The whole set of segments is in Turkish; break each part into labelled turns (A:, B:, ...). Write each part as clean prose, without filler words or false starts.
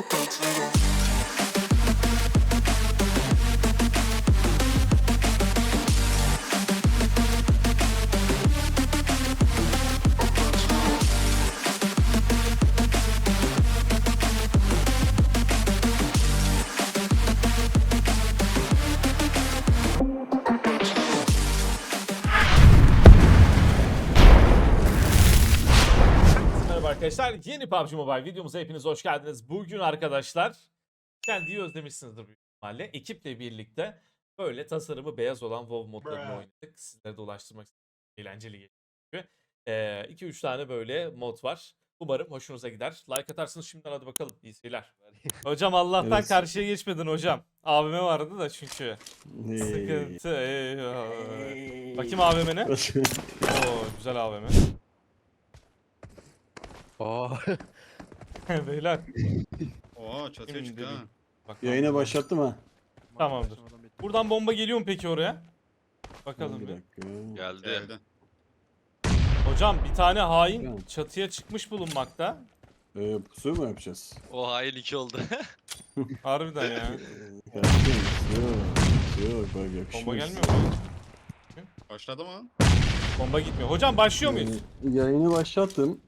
A: Arkadaşlar yeni PUBG Mobile videomuza hepiniz hoş geldiniz. Bugün arkadaşlar kendiyi özlemişsinizdir büyük ihtimalle. Ekiple birlikte böyle tasarımı beyaz olan WoW modlarını oynadık. Sizlere de ulaştırmak istedim. Eğlenceli geçiyor. 2-3 tane böyle mod var. Umarım hoşunuza gider. Like atarsınız şimdiden, hadi bakalım. İyi seyirler. Hocam Allah'tan
B: Evet.
A: karşıya geçmedin hocam. AVM vardı da çünkü. Sıkıntı. Bakayım AVM'ne. Oo, güzel AVM. Beyler.
C: Oo çatıya
A: Şimdi
C: çıktı ha.
A: Bak,
B: Yayına başlattım ha.
A: Tamamdır. Buradan bomba geliyor mu peki oraya? Bakalım
B: Bir
A: bir.
B: dakika.
D: Geldi.
C: Geldi.
A: Hocam bir tane hain
B: Tamam.
A: çatıya çıkmış bulunmakta.
B: Pusu mu yapacağız?
D: O hain 2 oldu.
A: Harbiden ya.
B: Kardeşim, yok bak yakışmaz.
A: Bomba gelmiyor mu?
C: Başladı mı?
A: Bomba gitmiyor. Hocam başlıyor muyuz?
B: Yayını başlattım.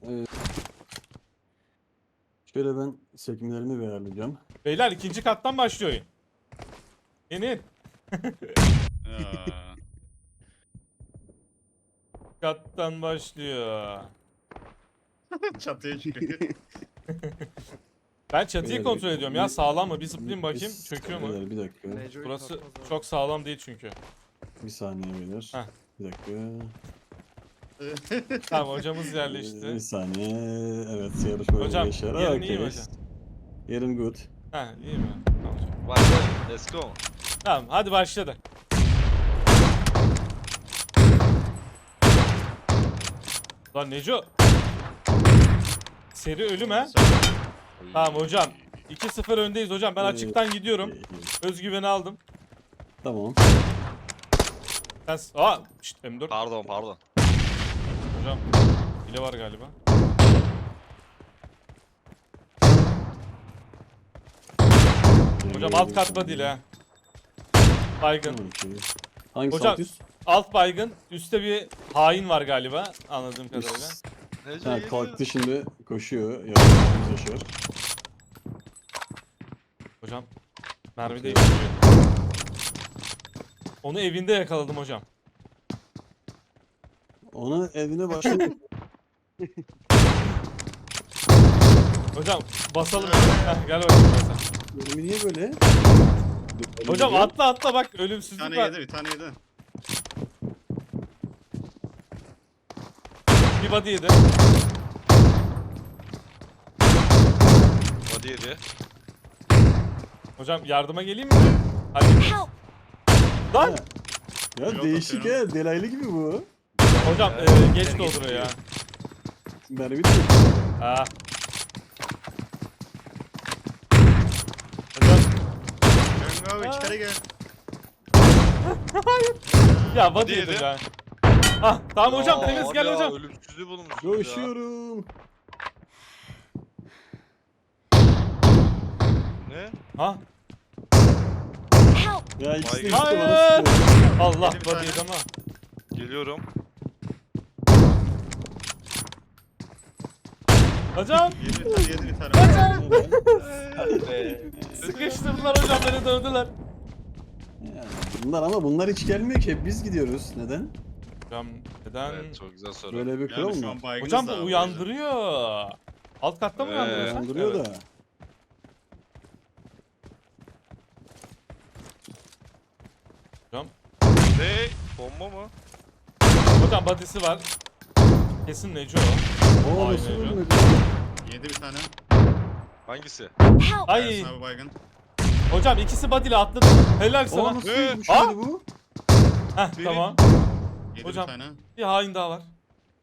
B: Şöyle ben sekmelerimi ayarlayacağım.
A: Beyler ikinci kattan başlıyor oyun. Yeni
C: Ya.
A: kattan başlıyor.
C: Çatıya çıkıyor.
A: Ben çatıyı
B: Beyler,
A: kontrol ediyorum ya, sağlam mı? Bir zıplayayım bakayım,
B: Biz-
A: çöküyor mu?
B: Beyler, bir dakika.
A: Burası çok sağlam değil çünkü.
B: Bir saniye beyler.
A: Heh.
B: Bir dakika.
A: Tamam, hocamız
B: Bir
A: yerleşti.
B: saniye. Evet, yarışma
A: Hocam,
B: yaşar.
A: yerin iyi mi
B: Okay.
A: hocam?
B: Yerim good.
A: Heh, iyi mi? Tamam hocam.
D: Başla. Let's go.
A: Tamam, hadi başladı. Lan Neco. Seri ölüm ha. Tamam hocam. 2-0 öndeyiz hocam. Ben açıktan gidiyorum. Özgüveni aldım.
B: Tamam.
A: Sen... Şşt, M4.
D: Pardon.
A: Hocam. Hile var galiba. Hocam alt kat değil ha. Baygın.
B: Hangisi
A: Hocam,
B: alt üst?
A: alt baygın. Üstte bir hain var galiba. Anladığım kadarıyla.
D: Nece
B: Ha,
D: geliyor.
B: kalktı şimdi koşuyor. Yavaş yaşar.
A: Hocam. Mermi değiştiriyor. Onu evinde yakaladım hocam.
B: Ona evine başladı.
A: Hocam basalım. Heh, gel bakayım basalım.
B: Benim niye böyle?
A: Hocam atla bak,
C: Bir
A: ölümsüzlük
C: tane
A: var.
C: yedi, bir tane yedi.
A: Bir body yedi.
D: Body yedi.
A: Hocam yardıma geleyim mi? Hadi. Lan!
B: Ya
C: Yok,
B: değişik
C: atıyorum.
B: ya. Delaylı gibi bu.
A: Hocam geç dolduruyor ya.
B: Mermi de
A: Ha. Hocam
C: Cengo içeri gel.
A: ya body
D: Body
A: yedi
D: yedi.
A: ya. Ah tamam hocam,
D: Aa,
A: temiz gel
D: ya,
A: hocam.
D: Ölümsüzlüğü bulmuş.
B: koşuyorum.
D: Ne?
A: Ha?
B: Ya ikisi de
D: Hayır.
B: üstü bana
A: Hayır.
B: sıkıyor.
A: Allah,
C: Yedi bir
A: body
C: tane.
A: yedi ama.
D: Geliyorum.
A: Hocam
C: Yedi bir tane, yedi bir tane.
A: sıkıştırdılar hocam, beni dövdüler.
B: Ya, bunlar hiç gelmiyor ki. Hep biz gidiyoruz. Neden?
A: Hocam neden?
D: Evet, çok güzel soru.
B: Böyle bir kural
C: Yani şu
B: mı?
C: an baygınız
A: Hocam
C: da
A: bu
C: abi.
A: uyandırıyor. Alt katta mı uyandırıyor sen?
B: Uyandırıyor
A: Evet.
B: da.
A: Hocam.
D: Ne? Bomba mı?
A: Hocam body'si var. Kesin Neco.
B: Oo
A: Ay,
B: nasıl
A: ne
B: ölmedi?
C: Yedi bir tane.
D: Hangisi?
A: Ay
C: Ersin abi baygın.
A: hocam, ikisi body'le atladı. Helal
B: Oo
A: sana.
B: nasıl
D: Ee?
B: ölmüş muydu bu?
A: Heh,
D: Biri-
A: tamam.
C: Yedi
A: Hocam.
C: bir tane.
A: Bir hain daha var.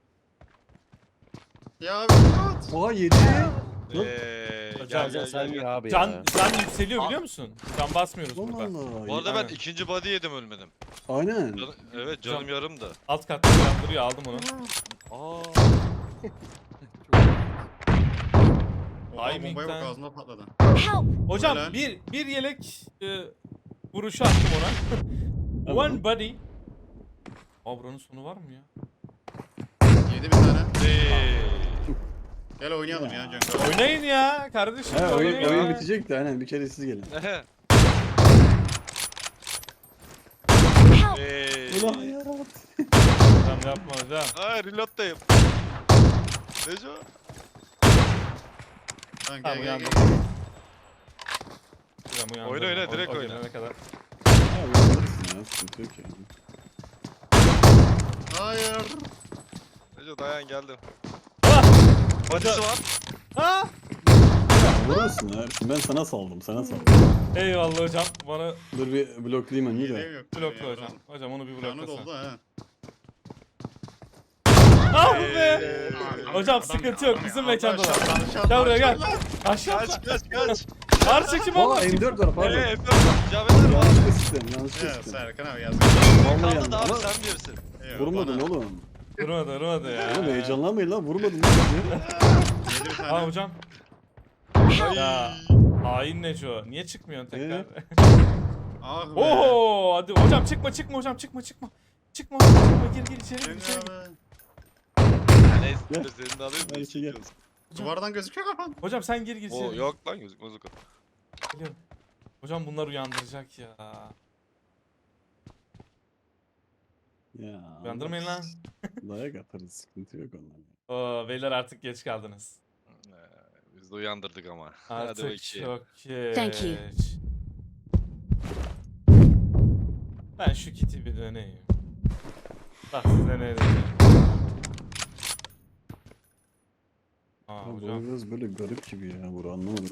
C: Ya abi at.
B: Oha 7.
A: Hocam,
D: gel.
E: abi
A: Can
E: ya.
A: yükseliyor biliyor musun? Can basmıyoruz
B: Allah
A: burada.
B: Allah.
D: Bu arada ben
A: Aynen.
D: ikinci body yedim ölmedim.
B: Aynen.
D: Evet canım
A: Hocam.
D: yarım da.
A: Alt katta uyandırıyor, aldım onu.
D: Aa.
C: Oha bombaya bak
A: Timing'den.
C: ağzına patladı.
E: Help!
A: Hocam
C: Helal.
A: bir yelek vuruşu attım ona.
B: Tamam.
A: One body. Aa buranın sonu var mı ya?
C: Yedi bir tane.
D: Hey.
C: Gel oynayalım
B: Ya.
C: ya Cenk.
A: Oynayın ya kardeşim.
B: He oyun,
A: oynayın
B: oyun
A: ya.
B: bitecek de aynen bir kere siz gelin.
D: Ehe.
E: Help!
D: Hey.
B: Ulan yarat.
A: Hocam yapma hocam.
D: Ay reload'dayım. Neco?
C: Tamam
A: Tamam
C: gel gel
A: uyandım.
C: gel.
A: Hocam uyandım.
D: Oyna, oyna, direkt
A: o
D: oyna.
A: gelene kadar.
B: Ha uyandırırsın ya sıkıntı yok yani.
C: Hayır.
D: Neco dayan geldim.
A: Ah!
D: Badisi var.
A: Ha!
B: Ya vurursun ya Ersin ben sana saldım sana saldım.
A: Eyvallah hocam. Bana
B: Dur bir bloklayayım önünü
C: Hileğim
B: de.
C: yok.
A: blokla hocam. Hocam onu bir
C: Canı
A: bloklasana.
C: doldu ha.
A: Ah be!
D: Hey.
A: Hocam sıkıntı yok. Bizim mekandalar. Gel buraya gel. Aşağı
D: Kaç
A: atla.
D: kaç kaç.
A: Karşı kim
B: Aa
A: oldu?
B: M4 var pardon.
D: Eee Efe Caveler var.
B: Yanlışlıkla sistem yanlışlıkla
C: Ya
B: sistem.
C: Serkan abi yazık.
B: Vallahi
D: Kaldı
B: yandı
D: da abi
B: ama
D: sen bilirsin.
C: Eyvah,
B: vurmadın
C: bana.
B: oğlum.
A: Durmadı ya.
B: Oğlum heyecanlanmayın lan vurmadın lan.
C: Yedi bir
A: Aa
C: tane.
A: hocam.
E: Help!
A: Ya. Hain Neco. Niye çıkmıyorsun tekrar?
C: Ah be.
A: Oho hadi hocam çıkma hocam çıkma. Çıkma hocam çıkma gir içeri gir
C: Cenk
A: içeri. gir.
C: abi.
D: Neyse
B: Gel.
D: senin de alayım
B: Hadi
D: da
B: şey gel.
D: istiyorsun.
C: Duvardan gözüküyor kafan.
A: Hocam sen gir
D: Oo
A: içeri.
D: yok lan gözükmez o kadar.
A: Geliyorum. Hocam bunlar uyandıracak ya.
B: Ya.
A: Uyandırmayın lan.
B: Dayak atarız sıkıntı yok ondan.
A: Oo, beyler artık geç kaldınız.
D: Biz de uyandırdık ama. Hadi
A: Artık
D: bakayım.
A: çok geç.
E: Thank you.
A: Ben şu kiti bir döneyim. Bak size ne diyeceğim. Aa
B: Ya bu
A: hocam.
B: biraz böyle garip gibi ya Buru anlamadım.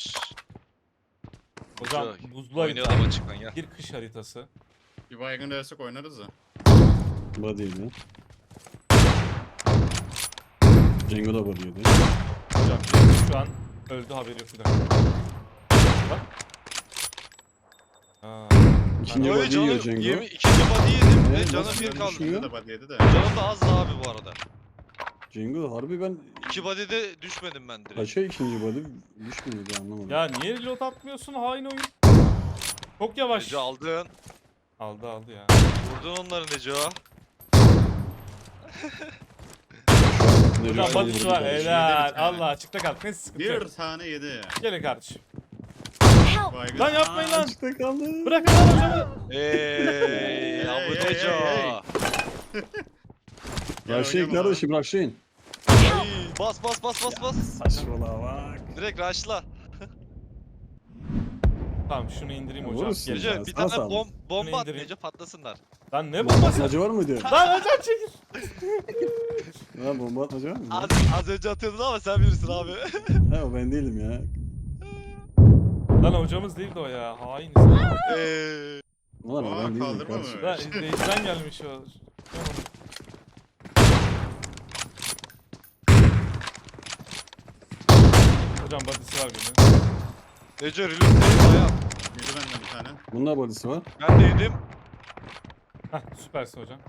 A: Hocam
D: Güzel.
A: buzlu
D: Oynayalım
A: harita.
D: açıktan ya.
A: Bir kış haritası.
C: Bir baygın dersek oynarız da.
B: Body'ydi. Cengo da body'ydi.
A: Hocam şu an öldü haberi yok bir dakika. Bak. Aa,
B: İkinci
D: Oy
B: body yiyor
D: canım
B: Cengo.
D: ikinci body yedim ve
B: Evet,
D: canım
B: nasıl
D: bir kaldı.
B: düşmüyor?
C: Yedi de body yedi de.
D: Canım da azdı abi bu arada.
B: Cengo harbi ben
D: İki body'de düşmedim ben direkt.
B: kaça ikinci body düşmüyordu anlamadım.
A: ya niye reload atmıyorsun hain oyun? Çok yavaş.
D: Neco aldın.
A: Aldı ya.
D: Vurdun onları Neco.
B: Ne
A: Hocam
B: diyorsun?
A: badisi var
C: Yedi bir
A: helal.
C: tane.
A: Allah açıkta kaldı. Ne sıkıntı yok.
C: Bir tane yedi.
A: Gelin kardeşim.
E: Help!
C: Baygın.
A: Lan yapmayın lan.
B: Açıkta kaldı.
A: Bırakın lan hocamı.
D: Eee ya bu
C: Hey, hey,
D: Neco.
C: hey, Gel
B: Rushlayın
C: oynayalım
B: kardeşim rushlayın.
D: Ay, bas bas bas bas bas.
B: Saçmalama bak.
D: Direkt rushla.
A: Tamam şunu indireyim hocam.
B: Vurursun.
A: Geleceğim.
D: Neco bir
B: sana
D: tane
B: sağlık.
D: bomba at
A: indireyim.
D: Neco patlasınlar.
A: Lan ne
B: Bomba
A: bombası?
B: atmaca var mı diyor?
A: Lan hocam çekil.
B: Ha bomba atmaca var mı?
D: Az önce atıyordun ama sen bilirsin abi.
B: Ha o ben değilim ya.
A: Lan hocamız değildi o ya. Hain insan.
D: Eee.
B: Ulan o
C: Aa,
B: ben değilim
C: kaldırma
B: kardeşim.
C: mı?
A: Lan izleyiciden gelmiş o. Hocam badisi var benim.
D: Neco reload değil bayağı.
C: Yedi benden bir tane.
B: Bunda body'si var.
D: Ben de yedim.
A: Hah süpersin hocam.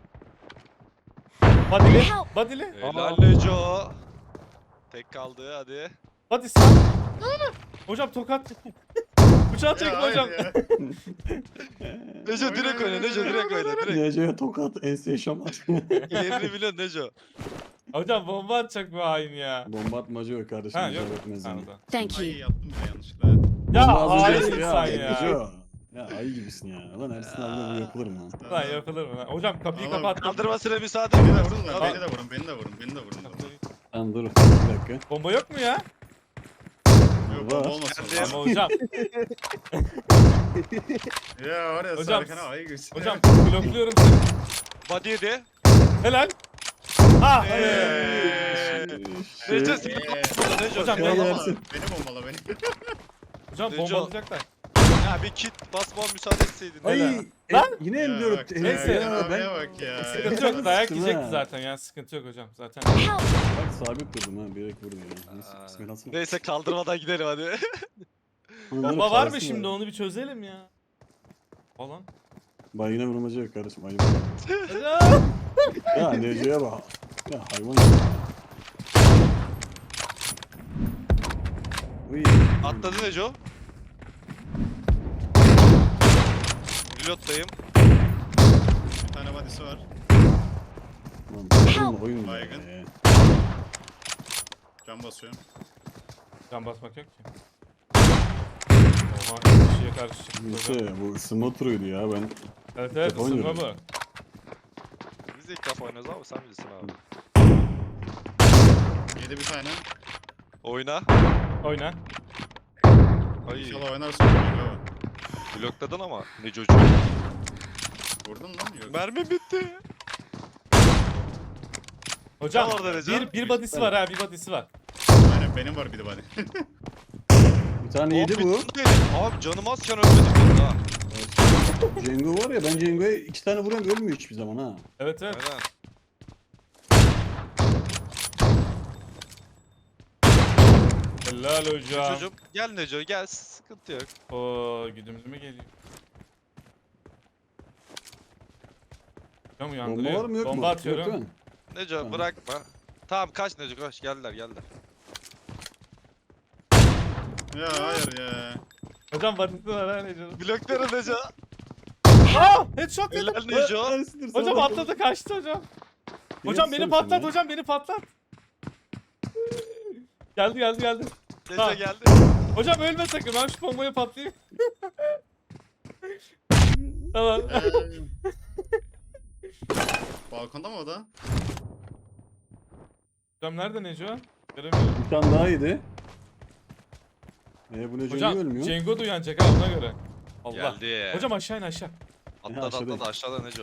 A: Badili.
E: Help!
A: Badili.
D: Helal Neco. Tek kaldı hadi.
A: Badisi. Hocam tokat. Bıçağı çekme
C: Ya, hayır
A: hocam.
C: ya.
D: Neco direkt oyna Neco direkt oyna direkt.
B: Nece'ye tokat ense şamat.
D: Yerini biliyorsun Neco.
A: Hocam bomba atacak bu hain ya.
B: Bomba atmaca yok kardeşim.
A: Ha yok.
B: icap etmez
A: Ha,
B: yani.
A: o da.
E: Thank
C: Ay
E: you.
C: yaptım bile yanlışlıkla.
A: Ya
B: Bomba az
A: hain
B: önce-
A: insan ya.
B: Neco. Ya ayı gibisin ya. Lan Ersin abi bu yapılır mı?
A: Lan yapılır mı lan? Hocam kapıyı
C: Tamam,
A: kapattım.
D: Kaldırmasına müsaade
C: Beni de
D: edin.
C: vurun lan.
D: Tamam.
C: Beni de vurun. Beni de vurun. Beni de vurun.
B: Lan dur bir dakika.
A: Bomba yok mu ya?
C: Yok
B: Var.
C: bomba olmasın.
D: Geldi.
A: Ama hocam.
C: Ya var ya
A: Hocam,
C: Serkan abi ayı gibisin.
A: Hocam blokluyorum seni.
D: Body yedi.
A: Helal. Ah
C: Eee.
A: be.
B: Şey,
D: Neco sen burada Neco.
A: Hocam,
D: Hocam
B: ya,
C: Bombala,
B: Ersin.
C: beni bombala beni.
A: Hocam
D: Neco.
A: bombalayacaklar.
D: ya bir kit basma müsaade etseydin.
B: Ay
A: Helal.
B: lan yine
C: Ya
B: M4.
C: bak,
A: Neyse.
C: Serkan
B: Ya,
C: abiye
B: ben
C: bak ya.
A: Sıkıntı yok dayak
B: Sıkıntı
A: yiyecekti
B: ha.
A: zaten ya sıkıntı yok hocam zaten.
E: Help!
B: bak sabit durdum ha bilerek vurdu ya. Neyse
D: Aa,
B: bismillah.
D: Neyse kaldırmadan gidelim hadi.
A: Bomba var mı şimdi onu bir çözelim ya. Falan.
B: Bak yine vurmaca yok kardeşim ayıp.
A: Hocam.
B: Ya Nece'ye bak. Ya hayvan.
D: Atladı Neco. Reload'dayım.
C: Bir tane body'si var.
B: Lan oyun ya.
C: Baygın. Can basıyorum.
A: Can basmak yok ki. Oha kişiye karşı çıktı hocam.
B: Neyse bu ısınma turuydu ya ben.
A: Evet evet
B: Telefon
A: ısınma
B: yürüyor.
A: bu.
D: Biz de ilk defa oynuyoruz abi sen bilirsin abi.
C: Yedi bir tane.
D: Oyna.
A: Oyna.
D: Ay
C: İnşallah oynarsın. Bravo.
D: blokladın ama Neco'cu.
C: Vurdun lan. Yok.
D: Mermi bitti.
A: Hocam
D: Ne var derece?
A: bir body'si var ha bir body'si var.
C: Aynen benim var bir de body.
B: Bir tane yedi
D: Abi,
B: bu.
D: Abi canım azken ölmedim ha.
B: Cengo var ya ben Cengo'ya 2 tane vuruyorum ölmüyor hiçbir zaman ha.
A: Evet evet.
D: Aynen.
A: Helal hocam.
D: Çocuğum gel Neco gel sıkıntı yok.
A: Oo güdümlü mü geliyor? Hocam
B: Bomba
A: uyandırıyor.
B: var mı yok mu?
A: Bomba
B: Yok
A: atıyorum.
B: değil mi?
D: Neco
B: Tamam.
D: bırakma. Tamam kaç Neco kaç geldiler.
C: Ya hayır ya.
A: Hocam body'si var ha Neco.
D: Blokları Neco.
A: Aa headshot yedim.
D: Helal Neco.
B: Ersin'dir, sana
A: Hocam
B: bakalım.
A: atladı kaçtı hocam.
B: Niye
A: Hocam beni
B: tutsana
A: patlat
B: sen ya?
A: hocam beni patlat. Geldi.
D: Neco
A: Ha.
D: geldi.
A: Hocam ölme sakın ben şu bombayı patlayayım. Tamam.
C: Balkonda mı o da?
A: Hocam nerede Neco? Göremiyorum.
B: Bir tane daha yedi. Bu ne Cengo
A: Hocam
B: ölmüyor?
A: Cengo da uyanacak ha ona göre. Allah.
D: Geldi.
A: Hocam aşağı in aşağı.
D: Atladı
B: aşağıdayım.
D: atladı aşağıda Neco.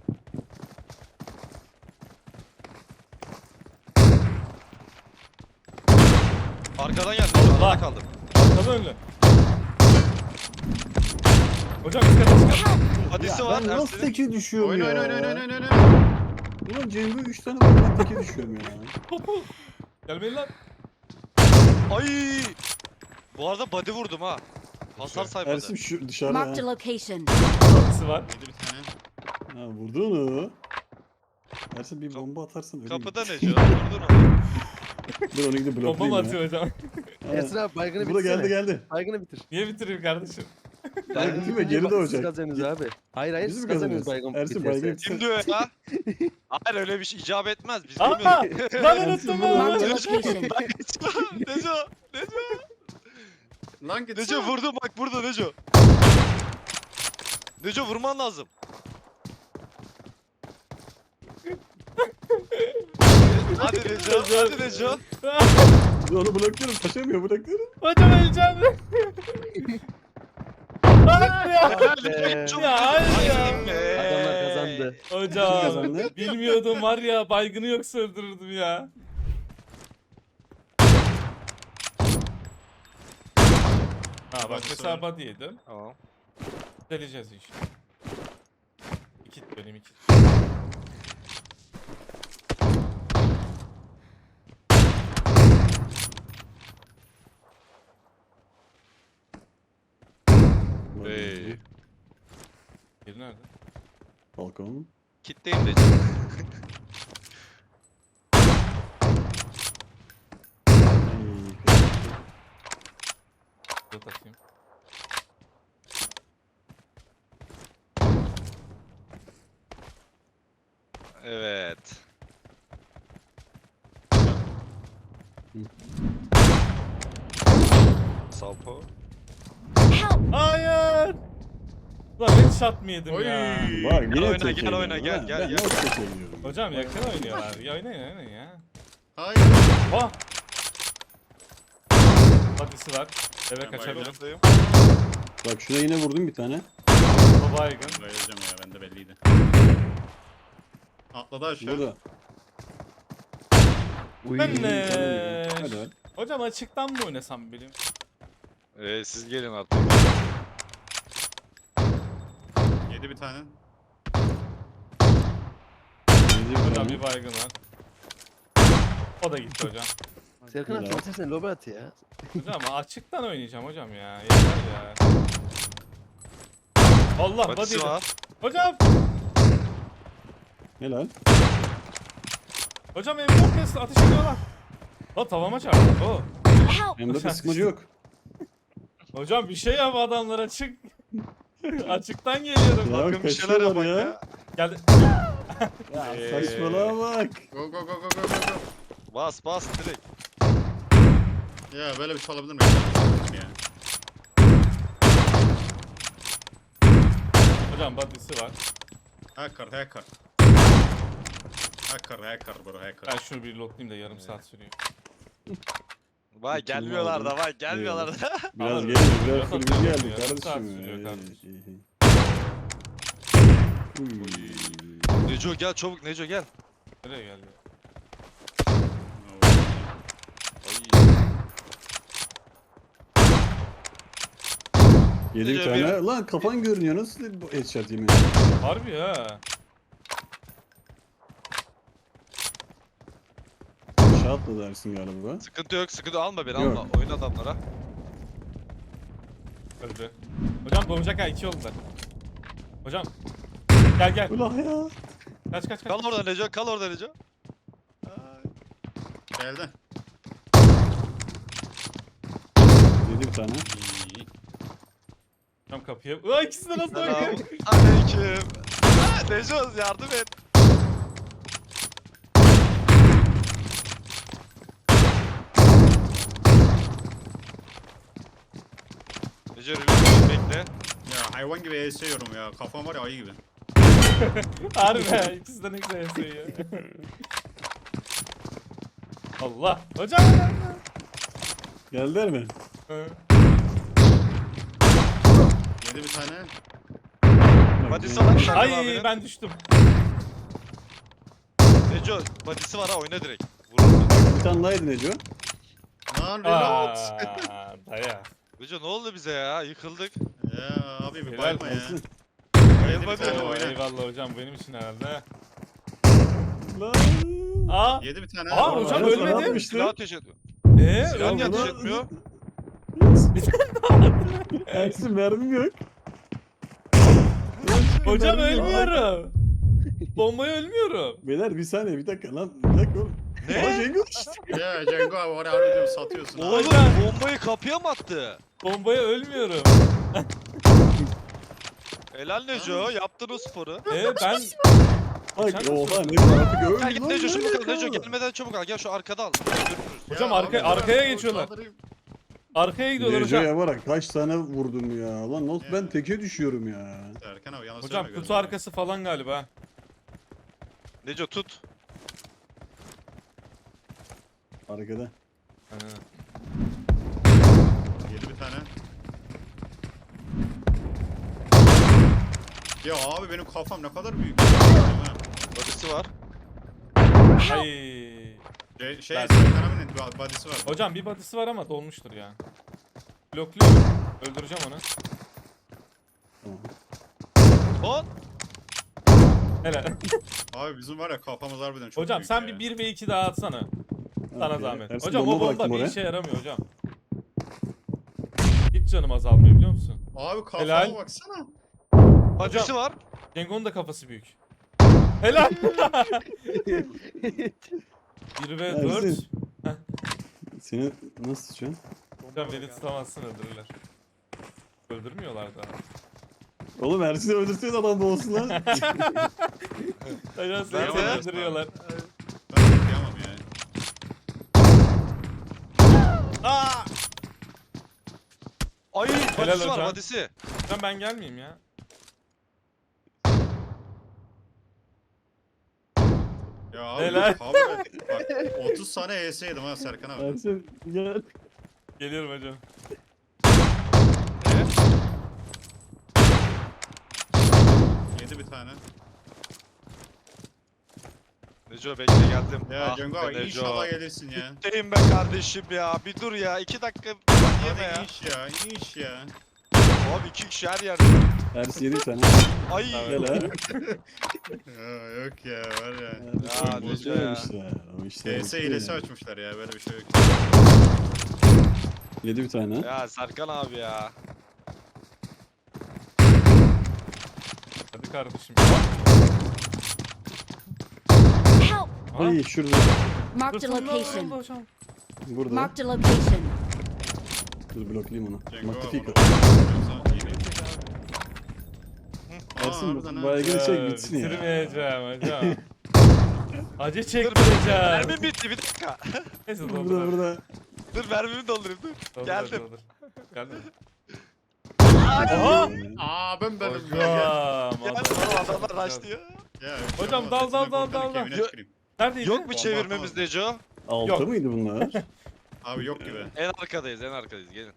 D: Arkadan geldi Neco
A: Allah.
D: arada kaldım.
A: Atladı önlü. Hocam üst kata çıkar.
E: Help!
D: Hadisi
B: Ya
D: var
B: ben nasıl
D: Ersin'in.
B: teke düşüyorum
C: Oyna
B: ya?
C: oyna.
B: Ulan Cengo 3 tane var ben teke düşüyorum ya.
A: Topu. Gelmeyin lan.
D: Ay. Bu arada body vurdum ha. Hasar saymadı.
B: Ersin şu dışarıda
E: Marked a
B: ha.
E: location.
A: Body'si var.
C: Yedi bir tane.
B: Ha vurdu onu. Ersin bir bomba atarsın öyle
D: Kapıda
B: git.
D: Neco vurdun onu.
B: Dur onu gidip
A: Bomba mı
B: bloklayayım
A: atıyor
B: ya.
A: hocam?
F: Ersin abi baygını
B: Bu da
F: bitirsene.
B: geldi.
F: Baygını bitir.
A: Niye bitireyim kardeşim?
F: Baygını
B: bitirme,
F: bitince
B: geri
F: bak,
B: doğacak.
F: Siz kazanıyorsunuz abi. Hayır
B: Biz
F: siz
B: mi
F: kazanıyorsunuz
B: kazanıyoruz?
F: baygın
B: Ersin
F: biterse.
B: baygın
D: Kim diyor ya? Hayır öyle bir şey icap etmez. Biz
A: Aa!
D: bilmiyoruz.
A: Lan unuttum
E: Marked a
A: lan.
E: location.
D: Neco.
C: Lan gitsene.
D: Neco vurdum bak burada Neco. Neco vurman lazım. Hadi Neco. Hadi Neco.
B: Dur onu blokluyorum. Taşamıyor bırakıyorum.
A: Hocam öleceğim. Hayır ya.
F: Be.
A: Ya hayır ya.
F: Adamlar kazandı.
B: Kim
A: Hocam
B: kazandı?
A: bilmiyordum var ya baygını yoksa öldürürdüm ya. Ha bak
C: Body'si
A: mesela
C: var.
A: body yedim.
D: Tamam.
A: Deleceğiz işte. İki benim iki.
D: Hey.
A: Biri nerede?
B: Balkon.
D: Kitleyim Neco.
A: Burada takayım.
D: Evet. Salpo.
E: Help!
A: Hayır. Lan headshot mı yedim
C: Oy.
A: ya?
B: Bak yine
D: oyna,
B: teke
D: gel oyna,
B: yiyorum,
D: gel,
B: ha.
D: gel,
B: Ben
D: gel.
B: nasıl teke yiyorum?
A: Hocam yakın oynuyorlar. Ya oynayın ya.
C: Hayır.
A: Oh. Body'si var. Eve
C: Ben
A: kaçabilirim.
D: Yanındayım.
B: Bak şuna yine vurdum bir tane.
A: O baygın.
C: Bayılacağım ya bende belliydi. Atladı aşağı.
B: Burada.
F: Uy.
A: Ben
B: Hadi hadi.
A: Hocam açıktan mı oynasam bileyim?
D: Siz gelin artık.
C: Yedi bir tane.
A: Hocam bir baygın var. O da gitti hocam.
F: Serkan abi
B: Helal.
F: sen lobi at ya.
A: Hocam açıktan oynayacağım hocam ya. Yeter ya. Allah
D: Batisi
A: body.
D: var.
A: Hocam.
B: Helal.
A: Hocam M4 ateş ediyorlar. O tavama çarptı. O.
E: Help!
B: Hem de sıkmacı yok.
A: Hocam bir şey yap adamlar açık. Açıktan geliyorum.
B: Ya
D: Bakın bir şeyler
B: kaçıyorlar
D: yapın
B: ya.
D: ya.
A: Geldi.
B: Ya saçmalama bak.
C: Go go go go go go.
D: Bas direkt.
C: Ya böyle bir şey olabilir mi? Ya.
A: Hocam body'si var.
C: Hacker hacker. Hacker bro hacker.
A: Ben şunu bir lootlayayım da yarım saat sürüyor.
D: Vay gelmiyorlar da vay gelmiyorlar da.
B: Biraz
A: Ama
B: geliyor. Biraz
A: yok,
B: full
A: yok,
B: biz
A: yok,
B: geldik
A: yarım saat
B: kardeşim.
A: sürüyor kardeşim.
D: Neco gel çabuk Neco gel.
A: Nereye geldi?
D: Ay.
B: Yedi bir
D: Gece
B: tane.
D: bir-
B: Lan kafan görünüyor. Nasıl bu headshot yemin?
A: Harbi ha.
B: Aşağı atladı dersin galiba.
D: Sıkıntı yok sıkıntı alma beni
B: Yok.
D: alma. Oyun adamlara.
A: Öldü. Hocam doğacak ha 2 yolda. Hocam. Gel.
B: Ulan ya.
A: Kaç.
D: Kal orada Neco kal orada Neco.
C: Geldi.
B: Yedi bir tane.
C: İyi.
A: Hocam kapıya. Ulan ikisi de nasıl
D: Selam.
A: bakıyor?
D: Aleyküm. Neco yardım et. Neco rüzgar bekle.
C: Ya hayvan gibi esiyorum ya. Kafam var ya ayı gibi.
A: Harbi ha ikisi de ne güzel yazıyor. Allah. Hocam.
B: Geldiler mi?
A: Hı.
C: Yedi bir tane.
D: Hadi sana Serkan
A: Ay
D: abinin.
A: ben düştüm.
D: Neco badisi var ha oyna direkt. Vurur.
B: Bir tane daha yedi Neco.
C: Lan reload.
A: Daya.
D: Neco ne oldu bize ya yıkıldık.
C: Ya abi bir
A: Helal
C: bayılma ya.
B: Olsun.
C: Yedi bir tane
A: Oo,
C: oyna.
A: eyvallah hocam benim için herhalde.
B: Lan.
A: Aa.
C: Yedi bir tane.
A: Aa, hocam
B: Aynen,
A: ölmedi.
B: sana atmıştı.
D: Silah ateş ediyor. Silah niye
A: Ölmedi.
D: ateş etmiyor?
B: Ersin mermim yok.
A: Hocam
B: Mermim yok.
A: ölmüyorum. Bombaya ölmüyorum.
B: Beyler bir saniye bir dakika lan. Bir dakika oğlum.
D: Ne?
B: Aa Cengo işte.
C: Ya Cengo abi oraya harbi diyorum satıyorsun.
D: Oğlum
A: Hocam.
D: bombayı kapıya mı attı?
A: Bombaya ölmüyorum.
D: Helal Neco yaptın o sporu.
A: Ben
B: Bak
A: Sen
B: oha
A: nasıl-
B: ne artık öldü
D: Gel git
B: lan,
D: Neco
B: ne
D: çabuk al
B: alaka?
D: Neco gelmeden çabuk al gel şu arkada al. Öldürürüz.
A: Hocam
C: Ya
A: arka-
C: abi,
A: arkaya
C: ben
A: geçiyorlar.
C: saldırayım.
A: arkaya gidiyorlar hocam.
B: Neco'ya bak kaç tane vurdum ya. Lan nasıl ben teke düşüyorum ya.
C: Erkan abi yanlış
A: Hocam
C: söyleme
A: kutu arkası falan galiba.
D: Neco tut.
B: Arkada.
A: Ha.
C: Yedi bir tane. Ya abi benim kafam ne kadar büyük.
D: Badisi var.
A: Ay.
C: Şey
A: Ben-
C: Serkan abinin body'si var.
A: Hocam bir body'si var ama dolmuştur ya. Blokluyorum. Öldüreceğim onu.
B: Tamam.
D: Hop.
A: Helal.
C: Abi bizim var ya kafamız harbiden çok
A: Hocam
C: büyük
A: sen
C: ya.
A: bir 1 ve 2 daha atsana. Sana
B: Okey.
A: zahmet.
B: Ersin,
A: Hocam o bomba
B: bıraktım
A: bir
B: oraya.
A: işe yaramıyor hocam. Hiç canım azalmıyor biliyor musun?
C: Abi kafama
A: Helal.
C: baksana.
D: Badisi var.
A: Cengo'nun da kafası büyük. Helal. 1 ve 4.
B: Ersin. Seni nasıl şu an?
A: Hocam beni tutamazsın öldürürler. Öldürmüyorlar da.
B: Oğlum Ersin'i öldürsene adam da olsun lan.
A: Hocam seni
D: Nerede?
A: öldürüyorlar.
C: Ben okuyamam ya.
A: Aa!
D: Ay badisi var
A: hocam.
D: badisi.
A: Hocam ben gelmeyeyim ya.
C: Ya abi
A: Helal.
C: bak 30 tane ES yedim ha Serkan abi.
B: Ersin gel.
A: Geliyorum hocam.
C: Yedi bir tane.
D: Neco bekle geldim.
C: Ya
D: Ah
C: Cengo
D: be
C: abi
D: Neco.
C: inşallah gelirsin ya.
D: Deyim be kardeşim ya. Bir dur ya. 2 dakika yeme
C: Hadi
D: ya.
C: iş ya, iş ya.
D: Abi 2 kişi her yerde.
B: Ersin yedi bir tane.
D: Ay.
B: Gel ha.
C: Ya yok ya var ya.
D: Ya,
B: Ersin
D: Neco
B: boş
D: ya.
B: vermişler. O işler
C: ES
B: bitti
C: hilesi
B: ya.
C: açmışlar ya böyle bir şey yok.
B: Yedi bir tane.
D: Ya Serkan abi ya.
A: Hadi kardeşim.
E: Help!
A: Aha.
B: Ay şurada.
E: Marked a
A: Fırtına oldu
E: location.
A: hocam.
B: Burada.
E: Marked a location.
B: Dur bloklayayım onu.
C: Cengo
B: Magnifico.
C: var.
B: Ersin
C: harbiden ha.
B: baygın çek
A: Ya,
B: bitsin ya.
A: bitirmeyeceğim hocam. Acı çektireceğim.
D: Mermim bitti bir dakika.
A: Neyse
B: Burada
A: doldur.
B: burada.
D: Dur mermimi doldurayım dur.
A: Doldur,
D: Geldim.
A: doldur. Geldim.
B: Aha!
C: Aa ben benim.
A: Hocam.
D: Gel adamlar raşlıyor.
C: Ya,
A: Hocam,
C: ya,
A: dal,
C: sesine
A: dal, dal,
C: korktum,
A: dal, dal.
C: kemiğine tüküreyim.
A: Neredeydi?
D: Yok mu
C: Bomba
D: çevirmemiz
C: atamadım.
D: Neco?
B: Altta
A: Yok.
B: mıydı bunlar?
C: Abi yok gibi.
D: En arkadayız gelin.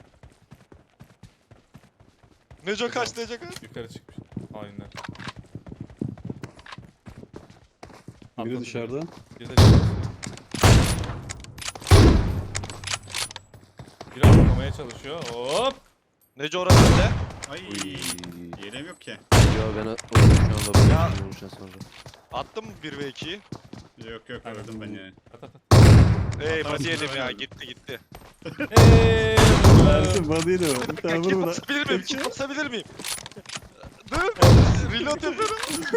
D: Neco kaç Neco kaç?
A: Yukarı çıkmış. Aynen.
B: Biri
A: Atladı.
B: dışarıda.
A: Bir de çıkmış. Biri atlamaya çalışıyor. Hop.
D: Neco orası ne?
C: Ay yerim yok ki.
F: Yo ben şu anda
D: Ya.
F: vuruştan sonra.
D: Attım mı 1 ve 2'yi?
C: Yok öldüm ben ya.
A: At at at.
D: Ey
C: Atarım,
D: body yedim ya
C: aynen.
D: gitti.
A: Eee.
B: Ersin body'ydi o. Bir tane vur
D: Kim
B: buna.
D: basabilir miyim? Kim basabilir miyim? Dur. Reload yapıyorum.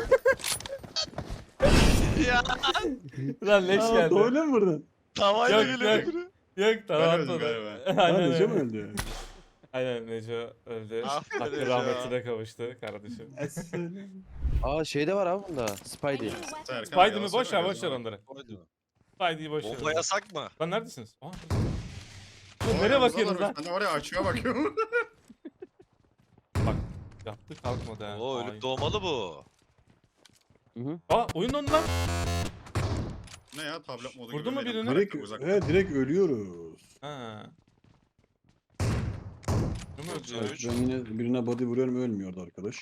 D: Ya
A: Lan leş
B: Aa
A: geldi.
B: doğru mu vurdun?
D: tavayla
A: Yok,
D: geliyor.
A: yok.
D: biri.
A: Yok tamam
C: Ben öldüm
A: atladı.
C: galiba.
A: Aynen
B: Sadece mi
A: öyle.
B: öldü?
A: Aynen Neco öldü.
D: Ah be
A: Hakkı
D: Neco.
A: rahmetine kavuştu kardeşim.
F: Aa şey de var abi bunda. Spidey.
C: Serkan,
A: Spidey mi?
C: yalasana
A: Boş ver
C: biraz
A: boş ver
C: daha.
A: onları. Spidey'i boş ver.
D: Bomba yasak mı?
A: Lan neredesiniz? Aa,
C: Oy,
A: nereye bakıyorsunuz
C: yalnız
A: lan?
C: Ben de oraya açığa bakıyorum.
A: Bak yaptı kalkmadı ha.
D: Oo
A: Hain.
D: ölüp doğmalı bu.
F: Hı hı.
A: Aa oyun dondu lan.
C: Ne ya tablet modu
A: Vurdu
C: gibi
A: mu
C: benim
A: birini?
C: karakter
B: Direkt,
C: uzakta.
B: direkt ölüyoruz.
A: Ha. Değil mi
D: Yok,
A: öldü?
B: Evet,
D: Üç.
B: ben yine birine body vuruyorum ölmüyordu arkadaş.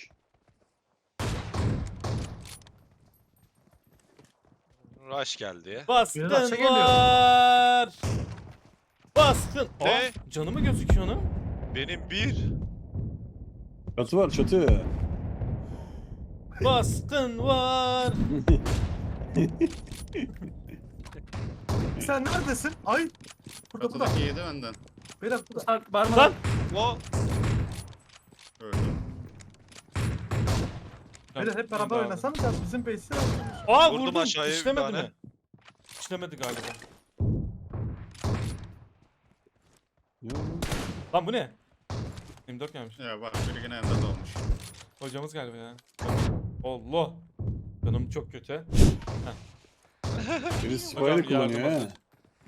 D: Rush geldi.
A: Baskın
G: Biraz şey geliyor.
A: var. Baskın.
D: Ne?
A: Aa, canı mı gözüküyor onun?
D: Benim bir.
B: Çatı var çatı.
A: Baskın var.
G: Sen neredesin? Ay. Burada.
C: Katıdaki yedi benden.
G: Beyler burada. Barman.
A: Lan.
D: O.
C: Öldüm.
G: Beyler hep beraber oynasanız ya bizim base'ler oynuyoruz.
A: Aa
D: Vurdum
A: vurdum.
D: aşağıya bir
A: İşlemedi
D: tane.
A: mi? İşlemedi galiba. Lan bu ne? 24 gelmiş.
C: Ya bak biri yine ender olmuş.
A: Hocamız galiba ya. Allah. Canım çok kötü.
B: Biri
A: Hocam,
B: spider kullanıyor
A: yardım
B: ha.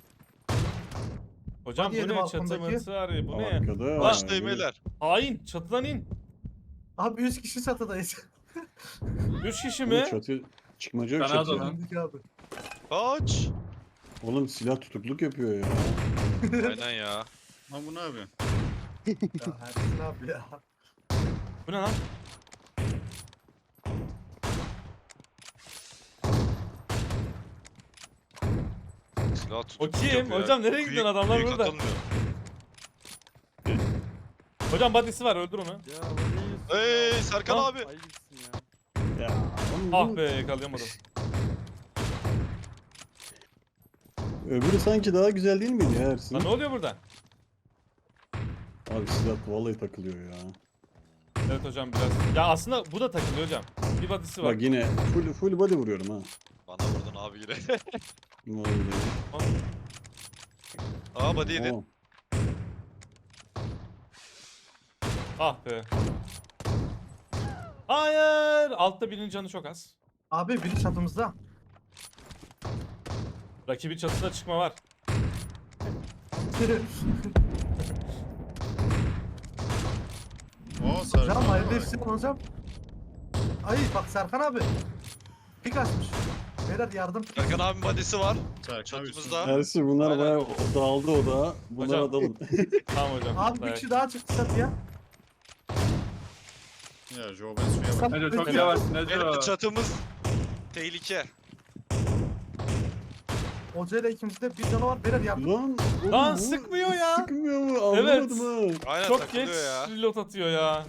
A: Hocam
G: Hadi
A: bu
G: yedim
A: ne? Çatı
G: balkondaki.
A: mıtı arıyor. Bu ne?
B: Arkada.
D: Başlayın beyler.
A: Hain. Çatıdan in.
G: Abi 100 kişi çatıdayız.
A: 3 kişi
B: Bu
A: mi?
B: çatı çıkmaca yok
G: Kanada
B: çatı.
G: lan. Abi.
D: Kaç.
B: Oğlum silah tutukluk yapıyor ya.
D: Aynen ya.
C: Lan bu ne yapıyor?
G: Ya Ersin abi ya.
A: Bu ne lan?
D: Silah
A: O
D: tutup
A: kim?
D: yapıyor.
A: Hocam nereye
D: Büyük-
A: gidiyorsun? Adamlar
D: büyük
A: burada.
D: atılmıyor.
A: Hocam body'si var öldür onu.
D: Hey Serkan
A: Lan.
D: abi.
B: Ya oğlum
A: Ah
B: bu-
A: be yakalayamadım.
B: Öbürü sanki daha güzel değil miydi ya Ersin?
A: Lan ne oluyor burada?
B: Abi silah vallahi takılıyor ya.
A: Evet hocam biraz. Ya aslında bu da takılıyor hocam. Bir body'si var.
B: Bak yine full body vuruyorum ha.
D: Bana vurdun abi yine.
B: Vallahi.
D: Aa body yedin.
B: Tamam.
A: Ah be. Hayır. Altta birinin canı çok az.
G: Abi biri çatımızda.
A: Rakibin çatısına çıkma var.
C: Oo Serkan.
G: Hocam hayırlı
C: bak.
G: işler hocam. Ay bak Serkan abi. Pik açmış. Beyler yardım.
D: Serkan abinin body'si var.
C: Serkan
D: Çatımızda.
B: Ersin bunlar
A: Aynen.
B: bayağı dağıldı o da. Bunlara
A: Hocam.
B: dalın.
A: Tamam hocam.
G: Abi bir
A: dayak.
G: kişi daha çıktı çatıya.
C: Ya Joe ben suya bak.
G: Neco
A: çok yavaş,
D: Benim çatımız tehlike.
G: Hoca ile ikimizde bir canı var. Beyler yardım.
B: Lan, oğlum
A: Lan
B: bu
A: sıkmıyor ya.
B: Sıkmıyor mu?
A: Evet.
B: Anlamadım ha.
D: Aynen
A: Çok geç
D: takılıyor ya.
A: reload atıyor ya.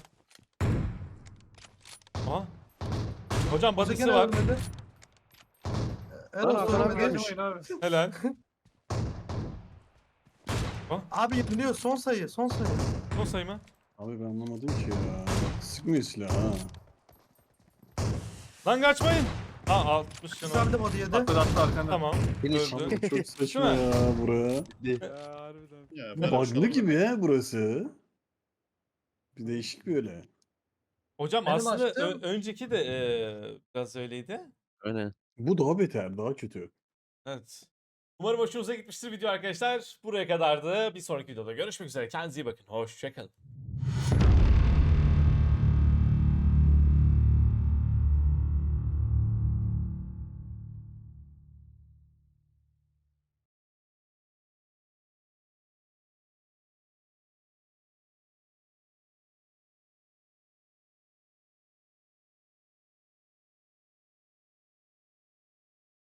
A: Aha. Hocam
G: Hoca
A: body'si
G: gene
A: var.
G: ölmedi.
B: Lan
G: Evet
B: adam
G: ölmedi.
B: gelmiş.
A: Helal.
G: Abi yeniliyor son sayı son sayı.
A: Son sayı mı?
B: Abi ben anlamadım ki ya. Sıkmıyor silah ha.
A: Lan kaçmayın. Ha 60 canı var.
G: Güzeldi body yedi.
A: Tamam.
F: Finish.
A: Öldü.
B: Abi çok saçma ya buraya.
C: Ya böyle bir şey
B: Bug'lı
C: olabilir
B: gibi
C: mi?
B: ya burası. Bir değişik böyle.
A: Hocam
G: Benim
A: aslında
G: açtığım-
A: önceki de biraz öyleydi.
F: Aynen.
B: Bu daha beter, daha kötü.
A: Evet. Umarım hoşunuza gitmiştir video arkadaşlar. Buraya kadardı. Bir sonraki videoda görüşmek üzere. Kendinize iyi bakın. Hoşçakalın.